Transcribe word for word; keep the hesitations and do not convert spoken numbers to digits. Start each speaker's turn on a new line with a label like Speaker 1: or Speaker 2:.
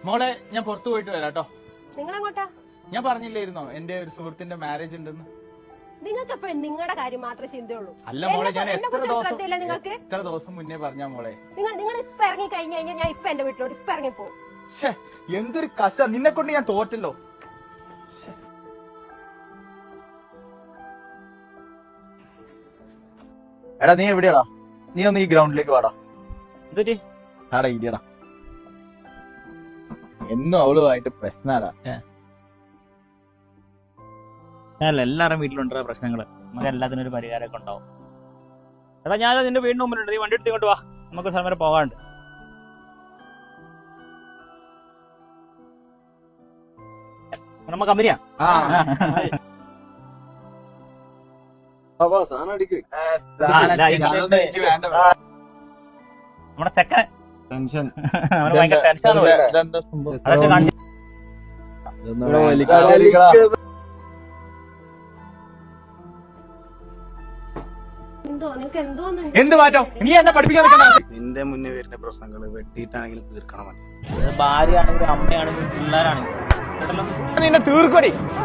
Speaker 1: മോളെ ഞാൻ പുറത്തു പോയിട്ട് വരാം കേട്ടോ.
Speaker 2: നിങ്ങളെങ്ങോട്ടാ?
Speaker 1: ഞാൻ പറഞ്ഞില്ലായിരുന്നോ എന്റെ ഒരു സുഹൃത്തിന്റെ മാരേജ് ഉണ്ടെന്ന്?
Speaker 2: നിങ്ങൾക്ക് എപ്പോഴും നിങ്ങളുടെ കാര്യം മാത്രമേ ചിന്തയുള്ളൂ.
Speaker 1: അല്ല മോളെ, ഞാൻ എത്ര ദിവസം
Speaker 2: ശ്രദ്ധയില്ല നിങ്ങൾക്ക്?
Speaker 1: എത്ര ദിവസം മുന്നേ പറഞ്ഞ മോളെ.
Speaker 2: നിങ്ങൾ നിങ്ങൾ ഇപ്പൊ ഇറങ്ങി കഴിഞ്ഞു കഴിഞ്ഞാൽ ഞാൻ ഇപ്പൊ എന്റെ വീട്ടിലോട്ട് ഇപ്പൊ ഇറങ്ങി പോകും.
Speaker 1: എന്തൊരു കശ, നിന്നെ കൊണ്ട് ഞാൻ തോറ്റല്ലോ. എടാ നീ എവിടെയാടാ? നീ ഒന്ന് ഈ ഗ്രൗണ്ടിലേക്ക് വാടാ. ആടാ ഇരിയടാ. എന്നും അവളുമായിട്ട് പ്രശ്നാടാ.
Speaker 3: അല്ല, എല്ലാവരും വീട്ടിലുണ്ടോ പ്രശ്നങ്ങള്? നമുക്ക് എല്ലാത്തിനും ഒരു പരിഹാരമൊക്കെ ഉണ്ടാവും. എടാ ഞാൻ നിന്റെ വീടിന് മുമ്പിലുണ്ട്, നീ വണ്ടി എടുത്ത് ഇങ്ങോട്ട് വാ, നമുക്ക് സ്ഥലം വരെ പോകാണ്ട്. നമ്മ കമ്പനിയാ. നമ്മുടെ ചെക്കൻ
Speaker 1: ടെൻഷൻ
Speaker 3: അവന് ഭയങ്കര ടെൻഷൻ. അതൊക്കെ കാണിച്ചു.
Speaker 1: എന്ത് മാറ്റം? നീ എന്നെ പഠിപ്പിക്കാൻ നിൽക്കണ്ട.
Speaker 4: നിന്റെ മുന്നേ വരുന്ന പ്രശ്നങ്ങള് വെട്ടിയിട്ടാണെങ്കിലും തീർക്കണം.
Speaker 3: ഭാര്യ ആണെങ്കിലും അമ്മയാണെങ്കിലും പിള്ളേരാണെങ്കിലും
Speaker 1: നിന്നെ തീർക്കടി.